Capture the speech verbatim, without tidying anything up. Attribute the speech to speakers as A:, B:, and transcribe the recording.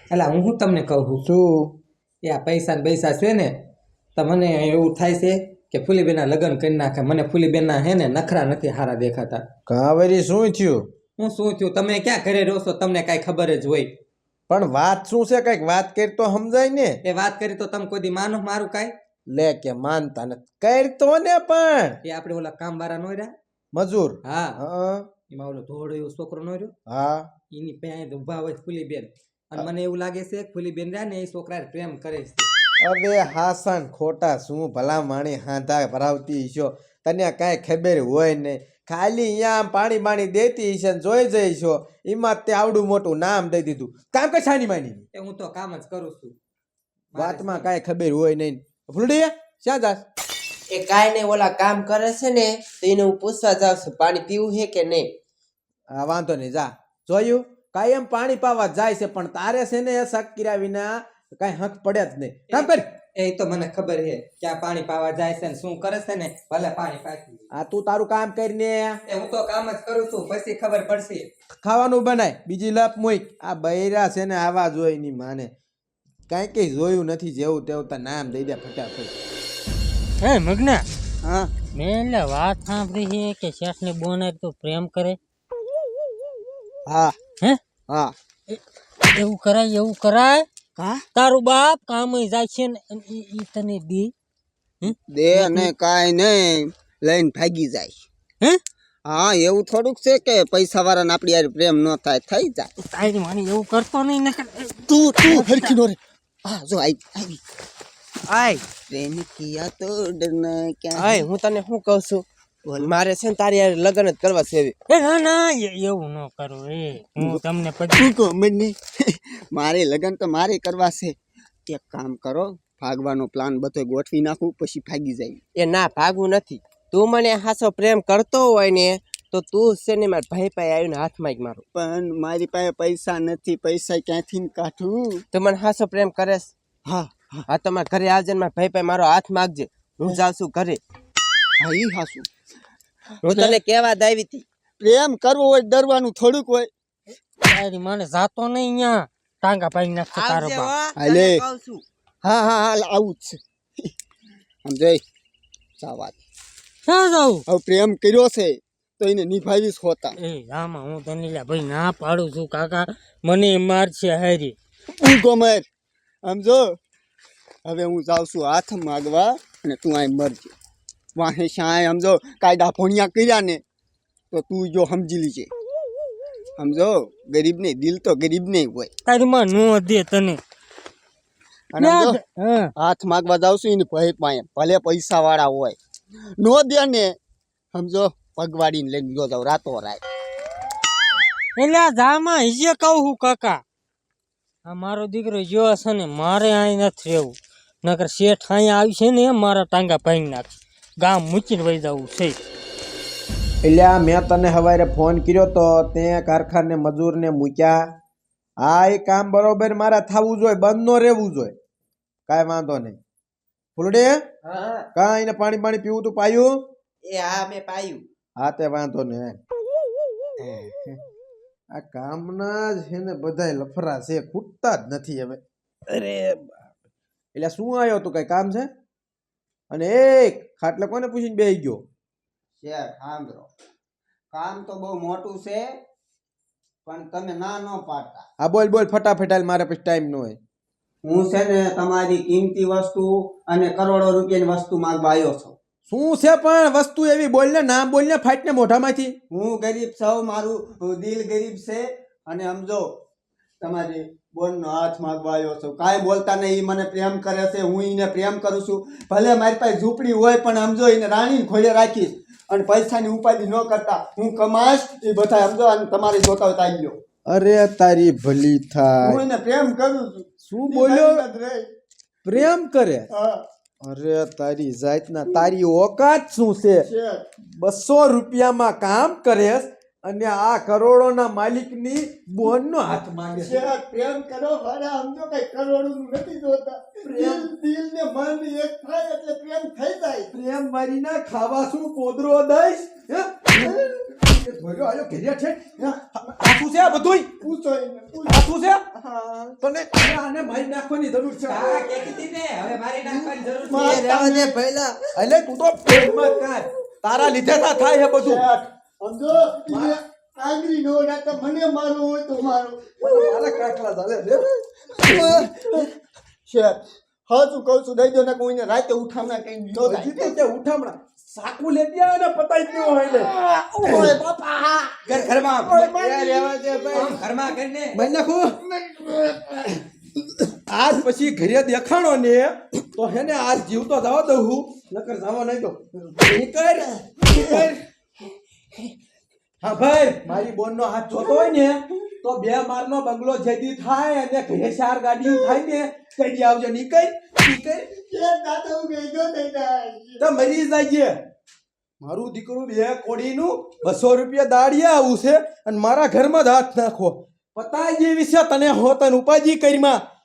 A: એટલે હું શું તમને કહું છું
B: શું
A: એ આ પૈસા ને પૈસા છે ને તો મને એવું થાય છે કે ફૂલીબેનના લગ્ન કરી નાખે. મને ફૂલીબેનના હે ને નખરા નથી સારા દેખાતા.
B: કાવેરી શું થયું?
A: હું શું થયું? તમે ક્યાં ઘરે રહો છો? તમને કાંઈ ખબર જ હોય.
B: પણ વાત શું છે? કઈક વાત કરી તો સમજાય ને.
A: એ વાત કરી તો તમે કોઈ દી માનો મારું કાંઈ?
B: લે કે માનતા નથી. કરી તો ને પણ
A: એ આપણે ઓલા કામ વાળા નો રહ્યા
B: મજૂર.
A: હા
B: હા
A: એમાં ઓલો ધોળો એવો છોકરો નો રહ્યો
B: હા
A: એની પાસે ઊભા હોય ફૂલીબેન અને મને એવું લાગે છે કે ફૂલીબેન રહ્યા ને એ છોકરા પ્રેમ કરે છે.
B: અરે હાસન ખોટા શું ભલા માણી હાંધા ભરાવતી છો. તને કાંઈ ખબર હોય નહીં. ખાલી અહીંયા આમ પાણી બાણી દેતી છે ને જોઈ જઈશો એમાં તે આવડું મોટું નામ દઈ દીધું. કામ કે છાની માની
A: એ હું તો કામ જ કરું છું.
B: વાતમાં કાંઈ ખબર હોય નહીં. ફૂલડી ક્યાં જાસ?
C: એ કાંઈ નહીં, ઓલા કામ કરે છે ને તો એને હું પૂછવા જાઉં છું પાણી પીવું છે કે નહીં.
B: હા વાંધો નહીં, જા. જોયું કાયમ પાણી પાવા જાય છે પણ તારે છે ને શક કર્યા વિના કાંઈ હક પડે જ નહીં. કામ કર.
A: એ તો મને ખબર છે ક્યાં પાણી પાવા જાય છે ને શું કરે છે ને ભલે પાણી પાકી.
B: આ તું તારું કામ કરીને
A: એ હું તો કામ જ કરું છું પછી ખબર પડશે.
B: ખાવાનું બનાય બીજી લપ મૂક. આ બૈરા છે ને આવા જોઈ ની માને કાંઈ કઈ જોયું નથી. જેવું તેવું તાર નામ દઈ દે ફટાફટ.
D: હે મગના,
C: હા
D: મેં એટલે વાત સાંભળી છે કે શેઠ ની બોને તું પ્રેમ કરે.
C: હા
D: હે
C: હા
D: એવું કરાય? એવું કરાય?
C: કા
D: તારું બાપ કામ જાય છે ને અને ઈ ઈ તને દે
C: દે ને કાંઈ નહીં લઈને ભાગી જાય.
D: હે
C: હા એવું થોડુંક છે કે પૈસા વાળાને આપણી યાર પ્રેમ ન થાય, થઈ જાય.
D: તારી માની એવું કરતો નહીં ને.
C: તું તું હરખી નો રે. હા જો આવી આવી આય પ્રેમ કિયા તો ડરના ક્યાં. આય હું તને શું કહું છું, મારે છે ને તારી યાર લગ્ન જ કરવા છે.
D: એ ના ના એ- એવું ન કરું. એ હું તમને પછી
C: તું મને મારે લગ્ન તો મારે કરવા છે. એક કામ કરો, ભાગવાનો પ્લાન બધો ગોઠવી નાખું પછી ભાગી જાય. એ ના ભાગવું નથી. તું મને હાસો પ્રેમ કરતો હોય ને તો તું છે ને મારા ભાઈ પાસે આવીને હાથમાં જ મારો. પણ મારી પાસે પૈસા નથી, પૈસા ક્યાંથી કાઢું? તો મને હાસો પ્રેમ કરેશ? હા હા તમારા ઘરે આવજે ને મારા ભાઈ પાસે મારો હાથ માગજે. હું જાઉં છું ઘરે. હા ઈ હાસું હું તને કેવા જ આવી હતી. પ્રેમ કરવો હોય ડરવાનું થોડુંક હોય.
D: તારી માને જાતો નહીં અહીંયા ટાંગા પાઈ નાખતો તારો બાપ.
C: હાલે હા હા હાલ આવું જ છે. સમજે સાવાત
D: ક્યાં જાઉં?
C: હવે પ્રેમ કર્યો છે તો એને નિભાવીશ હોતા.
D: એ આમાં હું તને લ્યા ભાઈ ના પાડું છું કાકા, મને મારશે હારી.
C: હું ગમર સમજો. હવે હું જાઉં છું હાથ માગવા અને તું અહીં મરજે. વાહે શાય સમજો કાયદા ભણ્યા કર્યા ને તો તું જો સમજી લીજે. સમજો ગરીબ ને દિલ તો ગરીબ ને હોય.
D: તારી માં નો દે તને.
C: અને સમજો
D: હા
C: હાથ માગવા જાઉં છું એને ભાઈ પાસે ભલે પૈસા વાળા હોય નો દે ને સમજો પગવાડીને લઈને ગયો જાવ રાતો રાત.
D: એટલે જામાં હિજે કહું છું કાકા, આ મારો દીકરો જો છે ને મારે અહીં નથી રહેવું. નકર શેઠ અહીંયા આવી છે ને મારા ટાંગા ભાઈ નાખ, ગામ મૂકીને વહી જવું છે.
B: એટલે આ મેં તને હવારે ફોન કર્યો તો તે કારખાને મજૂરને મૂક્યા. હા એ કામ બરોબર મારા થવું જોઈએ, બંધ નો રહેવું જોઈએ. કાંઈ વાંધો નહીં. ફૂલડે
C: હા
B: કાંઈ ને પાણી પાણી પીવું તું પાયું?
C: એ હા મેં પાયું.
B: હા તે વાંધો નહીં. આ કામના જ છે ને બધાય લફરા છે, ખૂટતા જ નથી હવે. અરે એટલે શું આવ્યો તું? કઈ કામ છે? અને એક ખાટલે કોને પૂછીને બેસી ગયો?
C: શેઠ સાંભળો, કામ તો બહુ મોટું છે પણ તમે ના ન પાડતા.
B: હા બોલ બોલ ફટાફટ હાલ, મારે પછી ટાઈમ ન હોય.
C: હું છે ને તમારી કિંમતી વસ્તુ અને કરોડો રૂપિયાની વસ્તુ માંગવા આવ્યો છું.
B: શું છે પણ વસ્તુ એવી? બોલ ને, નામ બોલ ને, ફાટ ને મોઢામાંથી.
C: હું ગરીબ છું, મારું દિલ ગરીબ છે અને સમજો તમારી બોનનો હાથ માંગવા આવ્યો છું. કાંઈ બોલતા નહીં. મને પ્રેમ કરે છે, હું એને પ્રેમ કરું છું. ભલે મારી પાસે ઝૂંપડી હોય પણ સમજો એને રાણીને ખોળે રાખીશ અને પૈસાની ઉપાધિ ન કરતા હું કમાશ એ બધા સમજો. અને તમારી જોતા હોય તો આવી ગયો.
B: અરે તારી ભલી
C: હું
B: થાય.
C: એને પ્રેમ કરું છું.
B: શું બોલ્યો?
C: ઈ મારી વાત રહી.
B: પ્રેમ કરે?
C: હા
B: અરે તારી જાતના, તારી ઓકાત શું છે?
C: શેઠ
B: બસો રૂપિયામાં કામ કરે અને આ કરોડોના માલિકની બોનનો હાથ માંગે છે.
C: શેઠ પ્રેમ કરો ભાડા સમજો. કઈ કરોડોનું નથી જોતા. પ્રેમ દિલ ને મન એક થાય એટલે પ્રેમ થઈ જાય.
B: પ્રેમ મારીના ખાવા શું પોદરો દઈશ? હે? ભોલ્યો આયો ઘેરિયા છે આ શું છે આ બધુંય પૂછો આ શું છે તને આને મારી નાખવાની જરૂર છે
A: હા કેતી હતી ને હવે મારી નાખવાની જરૂર છે
C: એ રહેવા દે પહેલા
B: એટલે તું તો પ્રેમમાં કાય તારા લીધે તા થાય છે બધું
E: સમજો ઈ આંગળી નો નાખે મને મારવું હોય તો મારો
B: મારા કાકલા ચાલે છે
E: શેઠ હા તું કહું છું દઈ દો ને કોઈને રાતે ઉઠામણા કઈ નો
B: હજી તો તે ઉઠામણા સાકુ લેતી આવે ને પતાઈ ગયો હોય લે
E: ઓય બાપા
A: ઘર ઘરમાં
B: એ રહેવા દે ભાઈ
A: આમ ઘરમાં કરીને
B: મઈ નાખો આજ પછી ઘરે દેખાણો ને તો હેને આજ જીવતો જવા દઉં હું નકર જવા નહીં દો નીકળ નીકળ હા ભાઈ મારી બોન નો હાથ જોતો હોય ને તો બે માર નો બંગલો જેદી થાય અને ઘરે ચાર ગાડીઓ થાય ને કઈ આવજો નીકળ નીકળ
E: શેઠ દાદા હું ગઈ જો થઈ જાય
B: તો મરી જાય મારું દીકરું બે કોડીનું બસો રૂપિયા દાડિયા આવું છે અને મારા ઘરમાં જ હાથ નાખો પતાઈ જે વિશે તને હોતન ઉપાજી કરીમાં